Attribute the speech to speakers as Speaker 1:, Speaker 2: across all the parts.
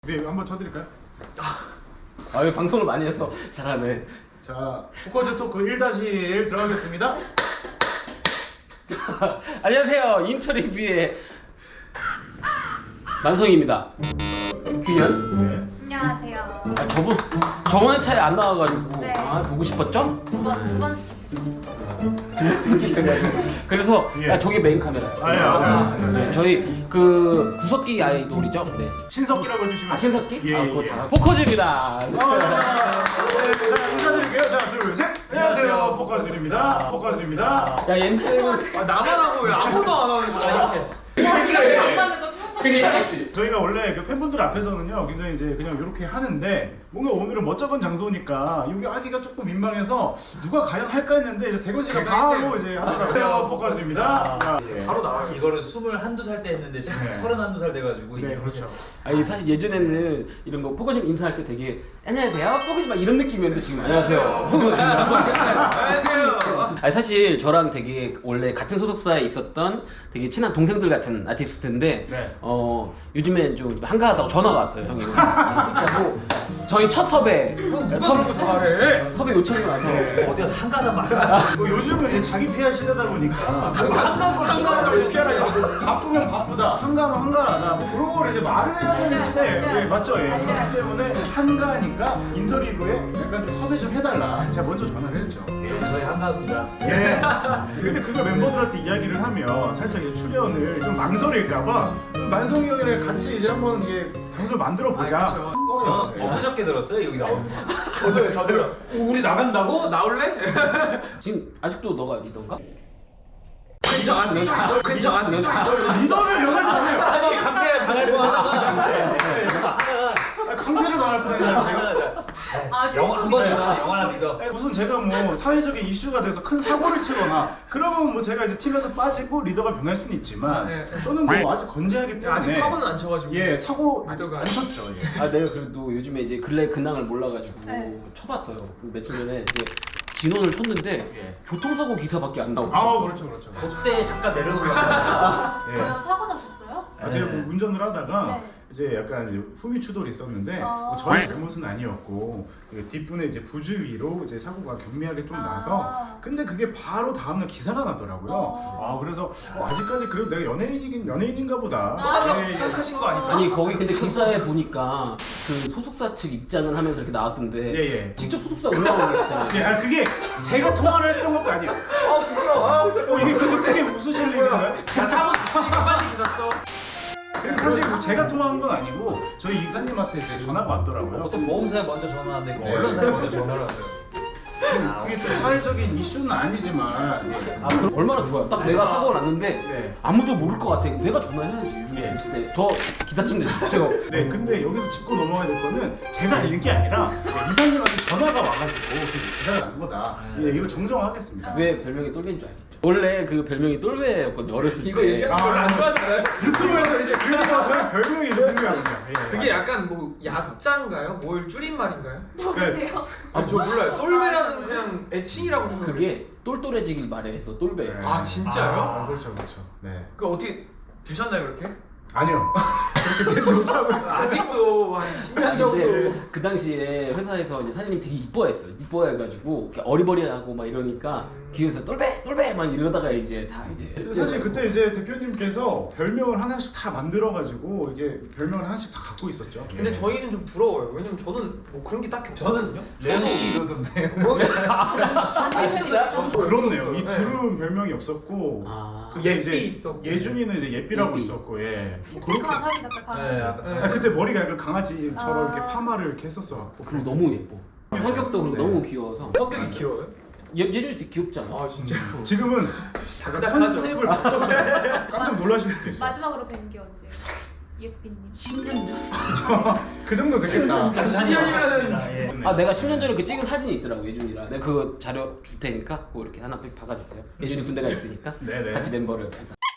Speaker 1: 네, 한번 쳐드릴까요?
Speaker 2: 아, 왜 방송을 많이 해서 잘하네.
Speaker 1: 자, 포커즈 토크 1-1 들어가겠습니다.
Speaker 2: 안녕하세요. 인터리뷰의 만성입니다. 규현?
Speaker 1: 네.
Speaker 3: 안녕하세요.
Speaker 2: 아, 저번에 차에 안 나와가지고
Speaker 3: 네.
Speaker 2: 아, 보고 싶었죠?
Speaker 3: 두번
Speaker 2: 스킵해가지고. 그래서
Speaker 1: 예.
Speaker 2: 아, 저게 메인 카메라예요.
Speaker 1: 아, 예, 알겠습니다.
Speaker 2: 네, 저희 그 구석기 아이돌이죠. 네.
Speaker 1: 신석기라고 해주시면.
Speaker 2: 아, 신석기?
Speaker 1: 예,
Speaker 2: 아,
Speaker 1: 예.
Speaker 2: 그거 다. 포커즈입니다.
Speaker 1: 자, 인사드릴게요. 자, 둘, 셋. 안녕하세요. 포커즈입니다. 포커즈입니다.
Speaker 2: 야, 옌트는
Speaker 4: 아, 나만 하고 왜 아무도 안 하는 거야?
Speaker 3: 안 맞는 거 처음 봤어요.
Speaker 1: 저희가 원래 그 팬분들 앞에서는요, 굉장히 이제 그냥 이렇게 하는데 뭔가 오늘은 멋쩍은 장소니까 여기 하기가 조금 민망해서 누가 과연 할까 했는데 이제 대건 씨가
Speaker 4: 제가
Speaker 1: 바로 이제 하더라고요. 포커즈입니다. 자, 예.
Speaker 4: 바로 나와. 이거를 21살 때 했는데 지금
Speaker 1: 네.
Speaker 4: 31살 돼가지고
Speaker 1: 네,
Speaker 4: 이게
Speaker 1: 그렇죠.
Speaker 2: 아니 사실 예전에는 이런 거 포커즈 인사할 때 되게 안녕하세요 포커즈 막 이런 느낌이었는데 지금 안녕하세요 포커즈.
Speaker 4: 안녕하세요.
Speaker 2: 아니 사실 저랑 되게 원래 같은 소속사에 있었던 되게 친한 동생들 같은 아티스트인데
Speaker 1: 네.
Speaker 2: 요즘에 좀 한가하다고 전화가 왔어요. 형이 그리고 저희 첫 섭외
Speaker 4: 누가 그런 거 잘해?
Speaker 2: 섭외 요청이 와서
Speaker 4: 어디 가서 한가하단 말이야.
Speaker 1: 뭐 요즘은 이제 자기 PR 시대다 보니까
Speaker 4: 한가한 걸 피하라고.
Speaker 1: 바쁘면 바쁘다, 한가하면 한가하다, 뭐 그런 걸 이제 말을 해야 되는 시대예요. 예, 맞죠? 예. 그렇기 때문에 한가하니까 인터리뷰에 약간 좀 섭외 좀 해달라. 제가 먼저 전화를 했죠.
Speaker 4: 저희 한가합니다.
Speaker 1: 예. 근데 그걸 멤버들한테 이야기를 하면 살짝 이 출연을 좀 망설일까봐 만성이 형이랑 같이 이제 한번 이게 방송을 만들어 보자.
Speaker 4: 저는 엊그저께 들었어요 여기 나오는 거. 저도요. 우리 나간다고? 나올래?
Speaker 2: 지금 아직도 너가 리더인가?
Speaker 4: 괜찮아.
Speaker 1: 리더를 연하지 마세요.
Speaker 4: 아니 강태를 당할 뻔하다가.
Speaker 1: 강제로 나갈 뻔했나요 제가?
Speaker 4: 한번 영원한 리더.
Speaker 1: 무슨 제가 뭐 사회적인 이슈가 돼서 큰 사고를 치거나 그러면 뭐 제가 이제 팀에서 빠지고 리더가 변할 수는 있지만
Speaker 5: 네.
Speaker 1: 저는 뭐 아직 건재하기 때문에
Speaker 5: 아직 사고는 안 쳐가지고.
Speaker 1: 예 사고
Speaker 5: 리더가
Speaker 1: 안 쳤죠. 예.
Speaker 2: 아 내가 그래도 요즘에 이제 근래 근황을 몰라가지고
Speaker 3: 네.
Speaker 2: 쳐봤어요. 며칠 전에 이제 진원을 쳤는데
Speaker 1: 예.
Speaker 2: 교통사고 기사밖에 안 나오고.
Speaker 1: 아 그렇죠.
Speaker 4: 그때 잠깐 내려놓으려고.
Speaker 1: 예.
Speaker 3: 그럼 사고 나셨어요?
Speaker 1: 아, 제가 뭐 운전을 하다가
Speaker 3: 네.
Speaker 1: 이제 약간 이제 후미추돌이 있었는데 뭐 저희 잘못은 아니었고 그 뒷분에 이제 부주의로 이제 사고가 경미하게 좀 나서 근데 그게 바로 다음날 기사가 나더라고요. 아 그래서 아직까지 그래도 내가 연예인인가 보다.
Speaker 5: 쏟아서
Speaker 1: 예, 예.
Speaker 5: 부탁하신 거 아니죠?
Speaker 2: 아니 거기 근데 기사에 보니까 그 소속사 측 입장을 하면서 이렇게 나왔던데
Speaker 1: 예.
Speaker 2: 직접 소속사 올라온 계시잖아요.
Speaker 1: 예, 아 그게 제가 통화를 했던 것도 아니에요.
Speaker 5: 아 부끄러워.
Speaker 1: 이게 근데 크게 웃으실 일인가요?
Speaker 5: 야 사고 있으니까 빨리 기사 써.
Speaker 1: 사실 제가 통화한 건 아니고 저희 이사님한테 이제 전화가 왔더라고요.
Speaker 4: 보통 보험사에 먼저 전화하는데 이거
Speaker 1: 네.
Speaker 4: 언론사에 먼저 전화를 하세요.
Speaker 1: 그게 좀 사회적인 이슈는 아니지만
Speaker 2: 아 그럼 얼마나 좋아요. 딱 내가 사고가 났는데
Speaker 1: 네.
Speaker 2: 아무도 모를 것 같아. 내가 전화해야지. 요즘
Speaker 1: 예.
Speaker 2: 같은 시대. 저 기사증 내주세요.
Speaker 1: 네, 근데 여기서 짚고 넘어가야 될 거는 제가 알린 게 아니라 이사님한테 전화가 와가지고 그 기사가 난 거다. 예, 이거 정정하겠습니다.
Speaker 2: 왜 별명이 똘배인 줄 알겠죠? 원래 그 별명이 똘배였거든요. 어렸을 때.
Speaker 5: 이거 얘기하는 거 별로 안 좋아하잖아요.
Speaker 1: 유튜브에서 이제 그러니까 저희 별명이 누구냐면요.
Speaker 5: 그게 약간 뭐 야자인가요? 뭘 줄임말인가요?
Speaker 3: 보세요.
Speaker 5: 아 저 몰라요. 똘배라는 그냥 애칭이라고 생각해요.
Speaker 2: 그게 똘똘해지길 바래서 똘배예요.
Speaker 5: 아, 진짜요?
Speaker 1: 아, 그렇죠. 네.
Speaker 5: 그 어떻게 되셨나요 그렇게?
Speaker 1: 아니요. 그렇게 된 좋다고 했어요.
Speaker 5: 아직도 한 10년 정도.
Speaker 2: 근데 그 당시에 회사에서 이제 사장님이 되게 이뻐했어요. 이뻐해가지고 이렇게 어리버리하고 막 이러니까 기회에서 똘배 막 이러다가 이제 다 이제
Speaker 1: 사실 그때 이제 대표님께서 별명을 하나씩 다 만들어가지고 이게 별명을 하나씩 다 갖고 있었죠.
Speaker 5: 근데
Speaker 1: 예.
Speaker 5: 저희는 좀 부러워요. 왜냐면 저는 뭐 그런 게 딱히 없거든요.
Speaker 4: 레논이 이러던데.
Speaker 2: 진짜?
Speaker 1: 그렇네요. 이
Speaker 5: 네.
Speaker 1: 둘은 별명이 없었고
Speaker 2: 아
Speaker 1: 그게 이제
Speaker 5: 예삐 있었고.
Speaker 1: 예준이는 이제 예삐라고
Speaker 2: 예삐.
Speaker 1: 있었고 예. 뭐 그렇게
Speaker 3: 강아지 같다 강아지.
Speaker 4: 네, 약간.
Speaker 1: 아, 그때 머리가 약간 강아지처럼
Speaker 3: 아.
Speaker 1: 이렇게 파마를 이렇게 했었어.
Speaker 2: 그리고 너무 예뻐. 성격도 그리고
Speaker 1: 네.
Speaker 2: 너무 귀여워서
Speaker 5: 성격이 귀여워요?
Speaker 2: 얘를 되게 귀엽지 않아?
Speaker 5: 아 진짜.
Speaker 1: 지금은
Speaker 5: 다크다크하죠.
Speaker 1: 컨셉을 바꿨어요. 깜짝 놀라실 수도 있어요.
Speaker 3: 마지막으로 뵌 게 언제? 예삐님.
Speaker 2: 10년 전?
Speaker 1: 그 정도 되겠다.
Speaker 5: 10년이면은
Speaker 2: 아 내가 10년 전에 그 찍은 사진이 있더라고 예준이랑. 내가 그 자료 줄 테니까 그거 이렇게 하나 박아주세요. 예준이 군대가 있으니까
Speaker 1: 네네.
Speaker 2: 같이 멤버를.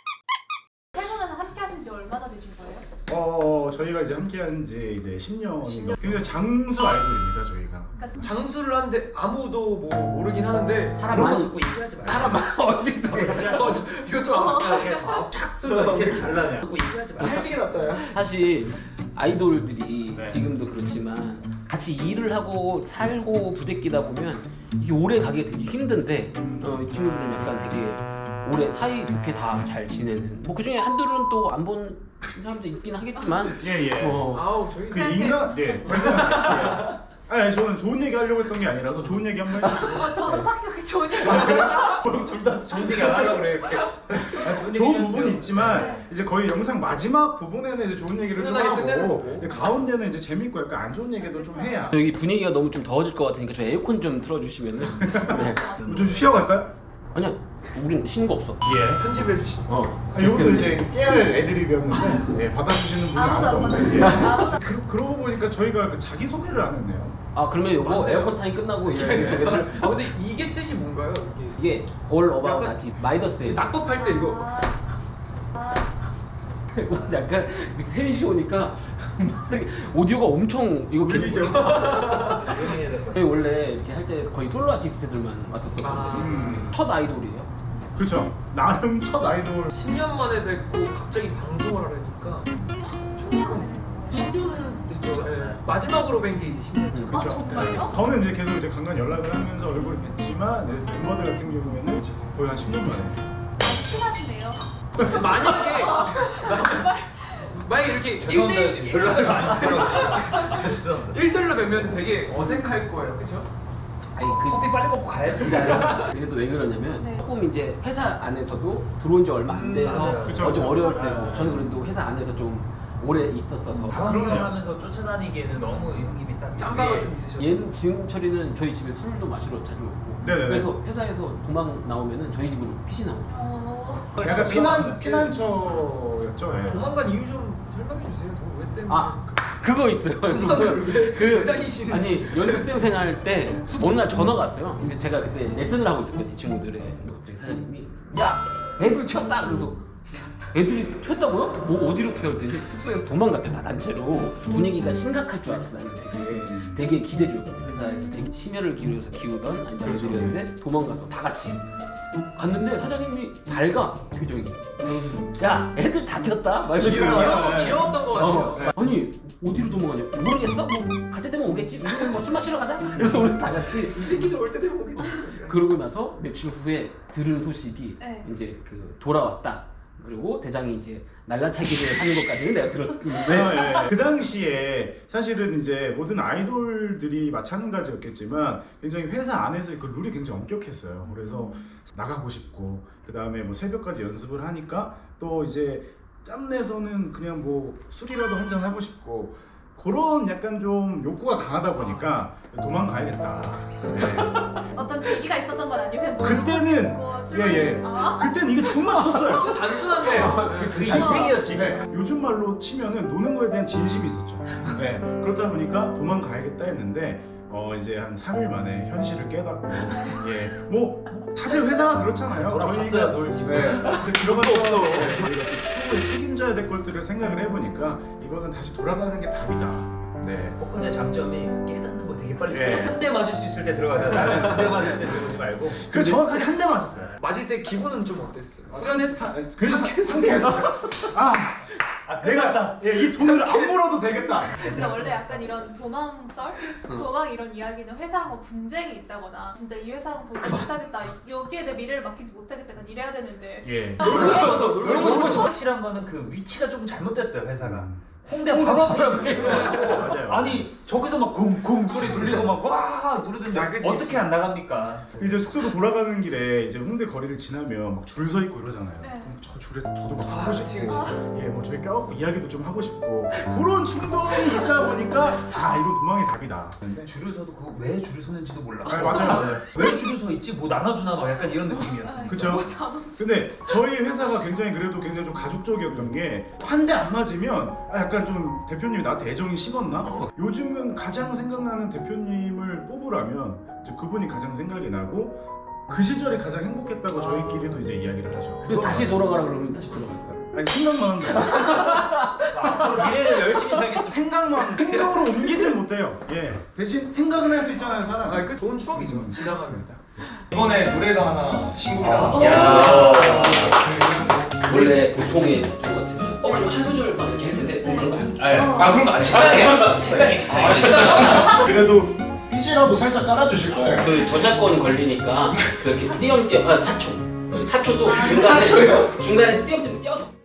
Speaker 3: 세 분은 함께 하신 지 얼마나 되신 거예요?
Speaker 1: 저희가 이제 함께한 지 이제 10년.
Speaker 5: 10년.
Speaker 1: 굉장히 장수 아이돌입니다 저희가.
Speaker 3: 그러니까
Speaker 5: 장수를 하는데 아무도 뭐 모르긴 하는데
Speaker 2: 사람
Speaker 4: 그런 거
Speaker 2: 많이
Speaker 4: 자꾸 얘기하지 말고.
Speaker 2: 사람 아직도
Speaker 5: 이거 좀
Speaker 4: 탁 소리가 이렇게 잘 나냐. 자꾸 얘기하지 말고.
Speaker 5: 찰지게 났다요.
Speaker 2: 사실 아이돌들이
Speaker 1: 네.
Speaker 2: 지금도 그렇지만 같이 일을 하고 살고 부대끼다 보면 이게 오래 가기 되게 힘든데 이 친구들은 약간 되게 오래 사이 좋게 다 잘 지내는 뭐 그중에 한둘은 또 안 본 사람도 있긴 하겠지만
Speaker 1: 예.
Speaker 5: 아우 저희
Speaker 1: 그 인간 말씀하세요. 아니 저는 좋은 얘기 하려고 했던 게 아니라서 좋은 얘기 한번 해주시고.
Speaker 3: 저도 딱히 그렇게 좋은 얘기
Speaker 4: 둘다 좋은 얘기 안 하려고 그래 이렇게.
Speaker 1: 좋은 부분이 있지만 이제 거의 영상 마지막 부분에는 이제 좋은 얘기를 좀
Speaker 5: 훈훈하게 끝내는
Speaker 1: 하고
Speaker 5: 거고.
Speaker 1: 가운데는 이제 재밌고 약간 안 좋은 얘기도 좀 해야.
Speaker 2: 여기 분위기가 너무 좀 더워질 것 같으니까 저 에어컨 좀 틀어주시면은 네.
Speaker 1: 좀 쉬어갈까요?
Speaker 2: 아니야 우린 쉬는 거 없어
Speaker 1: 예.
Speaker 5: 편집해 주시.
Speaker 1: 이것도 이제 깨알 애드립이었는데 받아주시는 분이
Speaker 3: 아무도
Speaker 1: 아무도
Speaker 3: 안
Speaker 1: 없는데.
Speaker 3: 받았어요.
Speaker 1: 그러고 보니까 저희가 그 자기 소개를 안 했네요.
Speaker 2: 아 그러면 이거
Speaker 5: 맞네요.
Speaker 2: 에어컨 타임 끝나고 이제 자기소개를
Speaker 5: 근데 이게 뜻이 뭔가요? 이게
Speaker 2: 이게 All About
Speaker 5: 약간
Speaker 2: Artist 마이더스에서
Speaker 5: 낙법할 때 이거
Speaker 2: 약간 세민 씨 오니까 오디오가 엄청 이거
Speaker 5: 울리죠.
Speaker 2: 저희 원래 이렇게 할 때 거의 솔로 아티스트들만 왔었거든요.
Speaker 1: 음.
Speaker 2: 첫 아이돌이에요.
Speaker 1: 그렇죠. 나름 첫 아이돌.
Speaker 5: 10년 만에 뵙고 갑자기 방송을 하려니까 10년 됐죠. 예. 마지막으로 뵌 게 이제 10년째.
Speaker 3: 아 정말요?
Speaker 1: 저는 이제 계속 이제 간간 연락을 하면서 얼굴을 뵀지만 이제 멤버들 같은 경우에는 거의 한 10년 만에.
Speaker 3: 아주 친하시네요.
Speaker 5: 만약에 만약에 이렇게
Speaker 4: 죄송합니다.
Speaker 5: 1대1
Speaker 4: 별로 많이 들어요. 죄송합니다.
Speaker 5: 1대1로 뵈면 되게 어색할 거예요. 그렇죠?
Speaker 2: 아니 그
Speaker 4: 커피 빨리 먹고 가야죠.
Speaker 2: 이게 또 왜 그러냐면
Speaker 3: 네.
Speaker 2: 조금 이제 회사 안에서도 들어온 지 얼마 안 돼서
Speaker 5: 맞아요.
Speaker 1: 그쵸.
Speaker 2: 좀 어려울 때고 저는 그래도 회사 안에서 좀 오래 있었어서
Speaker 4: 다음 형 하면서 쫓아다니기에는 너무 형님이 딱
Speaker 5: 짬바가 좀 있으셔.
Speaker 2: 얘는 지금철이는 저희 집에 술도 마시러 자주 오고
Speaker 1: 네네네.
Speaker 2: 그래서 회사에서 도망 나오면은 저희 집으로 피신하고
Speaker 1: 약간 피난처였죠. 예.
Speaker 5: 도망간 이유 좀 설명해 주세요. 뭐 왜 때문에?
Speaker 2: 아 그거 있어요.
Speaker 5: 도망을 왜
Speaker 2: 그
Speaker 5: 다니시는지.
Speaker 2: 아니 연습생 생활 때 어느 날 전화가 왔어요. 근데 제가 그때 레슨을 하고 있었거든요. 이 친구들의 갑자기 사장님이 야 애들 튀었다 그래서 애들이 튀었다고요? 뭐 어디로 튀어 했더니 숙소에서 도망갔대 다 단체로. 분위기가 심각할 줄 알았어 나는 되게 기대주였거든요. 회사에서 되게 심혈을 기울여서 키우던 아이들이었는데 도망갔어 다 같이 갔는데 사장님이 밝아 표정이. 야 애들 다 튀었다 막 이러시고
Speaker 5: 귀여웠던 거 같아요.
Speaker 2: 아니 어디로 도망가냐 모르겠어? 뭐 갈 때 되면 오겠지 우리는 뭐 술 마시러 가자 그래서 우리 다 같이
Speaker 5: 이 새끼들 올 때 되면 오겠지.
Speaker 2: 그러고 나서 며칠 후에 들은 소식이
Speaker 3: 네.
Speaker 2: 이제 그 돌아왔다 그리고 대장이 이제 날라차기를 하는 것까지는 내가 들었는데
Speaker 1: 네. 그 당시에 사실은 이제 모든 아이돌들이 마찬가지였겠지만 굉장히 회사 안에서 그 룰이 굉장히 엄격했어요. 그래서 나가고 싶고 그 다음에 뭐 새벽까지 연습을 하니까 또 이제 짬내서는 그냥 뭐 술이라도 한잔 하고 싶고 그런 약간 좀 욕구가 강하다 보니까 도망가야겠다. 네.
Speaker 3: 어떤 계기가 있었던 건 아니고 그냥
Speaker 1: 그때는 예. 그때는 이게 정말 컸어요.
Speaker 5: 진짜 단순한 거예요.
Speaker 4: 그 인생이었지.
Speaker 1: 네, 요즘 말로 치면은 노는 거에 대한 진심이 있었죠. 네, 그렇다 보니까 도망가야겠다 했는데 이제 한 3일 만에 현실을 깨닫고 뭐 다들 회사가 그렇잖아요.
Speaker 4: 돌아갔어요, 놀지.
Speaker 1: 네, 들어가서 저희가 또 추후에 책임져야 될 것들을 생각을 해보니까 이거는 다시 돌아가는 게 답이다. 네.
Speaker 4: 포커스의 장점이 깨닫는 거 되게 빨리
Speaker 1: 예.
Speaker 4: 한 대 맞을 수 있을 때 들어가잖아. 나는 두 대 맞을 때 들어오지 말고.
Speaker 1: 그래서 정확하게 한 대 맞았어요.
Speaker 5: 맞을 때 기분은 좀 어땠어요? 후련했어.
Speaker 1: 그래서 상쾌했어요. 내가 이 돈을 안 벌어도 되겠다.
Speaker 3: 근데 원래 약간 이런 도망썰? 도망 이런 이야기는 회사랑 뭐 분쟁이 있다거나 진짜 이 회사랑 도저히 못하겠다 여기에 내 미래를 맡기지 못하겠다 약간 이래야 되는데
Speaker 1: 예.
Speaker 4: 놀고 싶어. 확실한 거는 그 위치가 조금 잘못됐어요 회사가. 홍대 바로 앞이라고 했어요.
Speaker 1: 맞아요.
Speaker 4: 아니 저기서 막 쿵쿵 소리 들리고 막 와 소리 들리는데 어떻게 안 나갑니까?
Speaker 1: 이제 숙소로 돌아가는 길에 이제 홍대 거리를 지나면 막 줄 서 있고 이러잖아요.
Speaker 3: 네.
Speaker 1: 그럼 저 줄에 저도 막 서고
Speaker 5: 그치,
Speaker 1: 싶고,
Speaker 5: 그치.
Speaker 1: 뭐 저희 껴갖고 이야기도 좀 하고 싶고 그런 충동이 있다 보니까 이거 도망이 답이다. 근데
Speaker 4: 줄을 서도 그거 왜 줄을 서는지도 몰라.
Speaker 1: 맞아요.
Speaker 4: 왜 줄을 서 있지? 뭐 나눠주나 막 약간 이런 느낌이었어요.
Speaker 1: 그쵸? 근데 저희 회사가 굉장히 좀 가족적이었던 게 한 대 안 맞으면 약간 좀 대표님이 나한테 애정이 식었나? 요즘은 가장 생각나는 대표님을 뽑으라면 이제 그분이 가장 생각이 나고 그 시절이 가장 행복했다고 저희끼리도 이제 이야기를 하죠.
Speaker 2: 그래서 다시 돌아가라 그러면 다시 돌아갈 거야.
Speaker 1: 아니 생각만 한다.
Speaker 4: 앞으로 미래를 열심히 살겠습니다.
Speaker 1: 생각만 행동으로 옮기질 못해요. 예. 대신 생각은 할 수 있잖아요, 사람.
Speaker 5: 그 좋은 추억이죠. 지나가면.
Speaker 6: 이번에 노래가 하나 신곡이
Speaker 2: 야.
Speaker 6: 나왔습니다.
Speaker 2: 원래 보통의 경 같으면 그럼 한 소절 막 이렇게 할 텐데 그런 거 아니야.
Speaker 1: 네.
Speaker 4: 아 그런 거 안 식상해. 식상해. 식상.
Speaker 1: 그래도 삐지라도 살짝 깔아주실 거예요.
Speaker 2: 그 저작권 걸리니까 그렇게 띄엄띄엄 사초 사초도 중간에 띄엄띄엄 띄어서